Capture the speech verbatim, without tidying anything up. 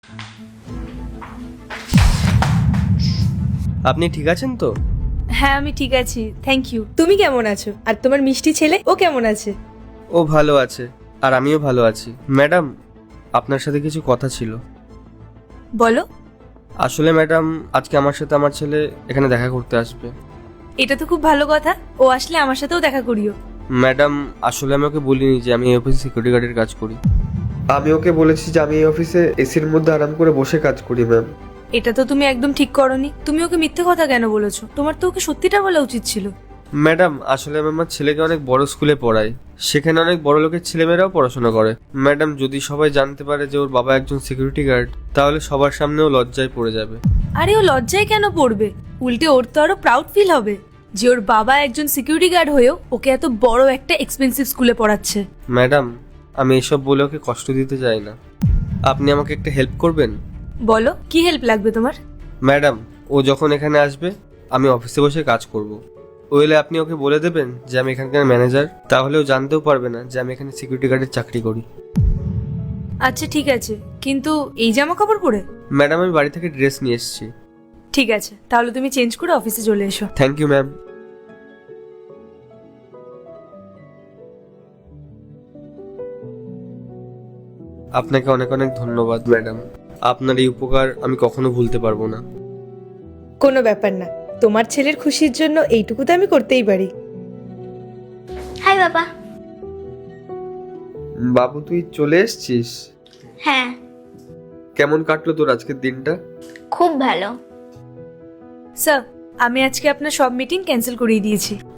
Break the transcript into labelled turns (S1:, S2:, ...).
S1: আপনি ঠিক আছেন তো?
S2: হ্যাঁ আমি ঠিক আছি, থ্যাংক ইউ। তুমি কেমন আছো? আর তোমার মিষ্টি ছেলে ও কেমন আছে?
S1: ও ভালো আছে, আর আমিও ভালো আছি। ম্যাডাম, আপনার সাথে কিছু কথা ছিল।
S2: বলো।
S1: আসলে ম্যাডাম, আজকে আমার সাথে আমার ছেলে এখানে দেখা করতে আসবে।
S2: এটা তো খুব ভালো কথা, ও আসলে আমার সাথেও দেখা করিও।
S1: ম্যাডাম, আসলে আমি ওকে বলিনি যে আমি এই অফিসে সিকিউরিটি গার্ডের কাজ করি। আমি ওকে বলেছি যে আমি এই অফিসে এসির মধ্যে আরাম করে বসে কাজ করি ম্যাম।
S2: এটা তো তুমি একদম ঠিক করনি। তুমি ওকে মিথ্যে কথা কেন বলেছো? তোমার তো ওকে সত্যিটা বলা উচিত ছিল।
S1: ম্যাডাম, আসলে আমি আমার ছেলেকে অনেক বড় স্কুলে পড়াই, সেখানে অনেক বড় লোকের ছেলেমেয়েরাও পড়াশোনা করে। ম্যাডাম, যদি সবাই জানতে পারে যে ওর বাবা একজন সিকিউরিটি গার্ড, তাহলে সবার সামনেও লজ্জায় পড়ে যাবে।
S2: আরে ও লজ্জায় কেন পড়বে? উল্টে ওর তো আরো প্রাউড ফিল হবে যে ওর বাবা একজন সিকিউরিটি গার্ড হয়েও ওকে এত বড় একটা এক্সপেন্সিভ স্কুলে পড়াচ্ছে।
S1: ম্যাডাম, আমি এসব বলে ওকে কষ্ট দিতে চাই না। আপনি আমাকে একটা হেল্প করবেন?
S2: বলো, কি হেল্প লাগবে তোমার?
S1: ম্যাডাম, ও যখন এখানে আসবে আমি অফিসে বসে কাজ করব। ওইলে আপনি ওকে বলে দেবেন যে আমি এখানকার ম্যানেজার, তাহলে ও জানতেও পারবে না যে আমি এখানে সিকিউরিটি গার্ডের চাকরি করি।
S2: আচ্ছা ঠিক আছে, কিন্তু এই জামা কাপড় পরে?
S1: ম্যাডাম, আমি বাড়ি থেকে ড্রেস নিয়ে এসেছি।
S2: ঠিক আছে, তাহলে তুমি চেঞ্জ করে অফিসে চলে এসো।
S1: Thank you ma'am. আপনাকে অনেক অনেক ধন্যবাদ ম্যাডাম। আপনার এই উপকার আমি কখনো ভুলতে পারবো না।
S3: কোনো ব্যাপার না, তোমার ছেলের খুশির জন্য এইটুকু তো আমি করতেই পারি।
S4: হাই বাবা।
S1: বাবু, তুই চলে এসেছিস?
S4: হ্যাঁ,
S1: কেমন কাটলো তোর আজকের দিনটা?
S4: খুব ভালো।
S2: স্যার, আমি আজকে আপনার সব মিটিং ক্যান্সেল করিয়ে দিয়েছি।